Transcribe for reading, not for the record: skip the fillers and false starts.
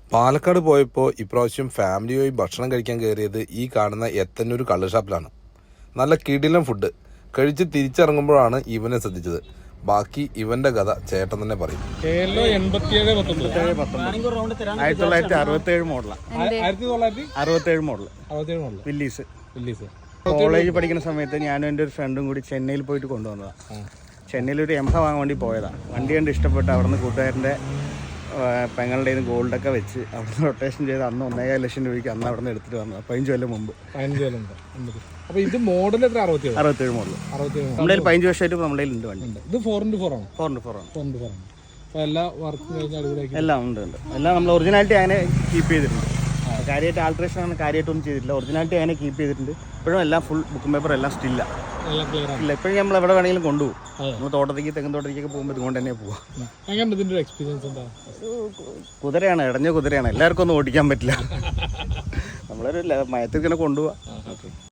പാലക്കാട് പോയപ്പോൾ ഇപ്രാവശ്യം ഫാമിലിയായി ഭക്ഷണം കഴിക്കാൻ കയറിയത് ഈ കാണുന്ന എത്തന്നൂർ കള്ള് ഷാപ്പിലാണ്. നല്ല കിടിലൻ ഫുഡ് കഴിച്ച് തിരിച്ചിറങ്ങുമ്പോഴാണ് ഇവനെ ശ്രദ്ധിച്ചത്. ബാക്കി ഇവന്റെ കഥ ചേട്ടൻ തന്നെ പറയും. 1967 മോഡൽ വില്ലീസ്. കോളേജ് പഠിക്കുന്ന സമയത്ത് ഞാനും എൻ്റെ ഒരു ഫ്രണ്ടും കൂടി ചെന്നൈയിൽ പോയിട്ട് കൊണ്ടുവന്നതാണ്. ചെന്നൈയിൽ ഒരു എംഹ വാങ്ങാൻ വേണ്ടി പോയതാണ്. വണ്ടി കണ്ട് ഇഷ്ടപ്പെട്ട് അവിടുന്ന് കൂട്ടുകാരൻ്റെ പെങ്ങളുടെ ഗോൾഡൊക്കെ വെച്ച് അവിടുന്ന് റൊട്ടേഷൻ ചെയ്ത് അന്ന് 1.5 ലക്ഷം രൂപയ്ക്ക് അന്ന് അവിടെ നിന്ന് എടുത്തിട്ട് വന്നത് 15 കൊല്ലം മുമ്പ്. 67 മോഡൽ. നമ്മുടെ 15 വർഷമായിട്ട് നമ്മുടെ ഉണ്ട് വണ്ടി. ഇത് 4x4 ആണ്. 4x4 ആണ്. എല്ലാ വർക്കും എല്ലാം ഉണ്ട്. എല്ലാം നമ്മൾ ഒറിജിനാലിറ്റി അങ്ങനെ കീപ്പ് ചെയ്തിട്ടുണ്ട്. കാര്യമായിട്ട് ആൾട്രേഷൻ ആണ് കാര്യമായിട്ടൊന്നും ചെയ്തിട്ടില്ല. ഒറിജിനാലിറ്റി അങ്ങനെ കീപ്പ് ചെയ്തിട്ടുണ്ട്. ഇപ്പോഴും എല്ലാം ഫുൾ ബുക്കും പേപ്പർ എല്ലാം സ്റ്റില്ല. ഇല്ല, ഇപ്പോഴും നമ്മൾ എവിടെ വേണമെങ്കിലും കൊണ്ടുപോകും. നമ്മൾ തോട്ടത്തേക്ക് തെങ്ങൻ തോട്ടത്തേക്കൊക്കെ പോകുമ്പോൾ ഇതുകൊണ്ട് തന്നെ പോവാം. കുതിരയാണ്, ഇടഞ്ഞ കുതിരയാണ്. എല്ലാവർക്കും ഒന്നും ഓടിക്കാൻ പറ്റില്ല. നമ്മളൊരു മയത്തിൽ ഇങ്ങനെ കൊണ്ടുപോവാം.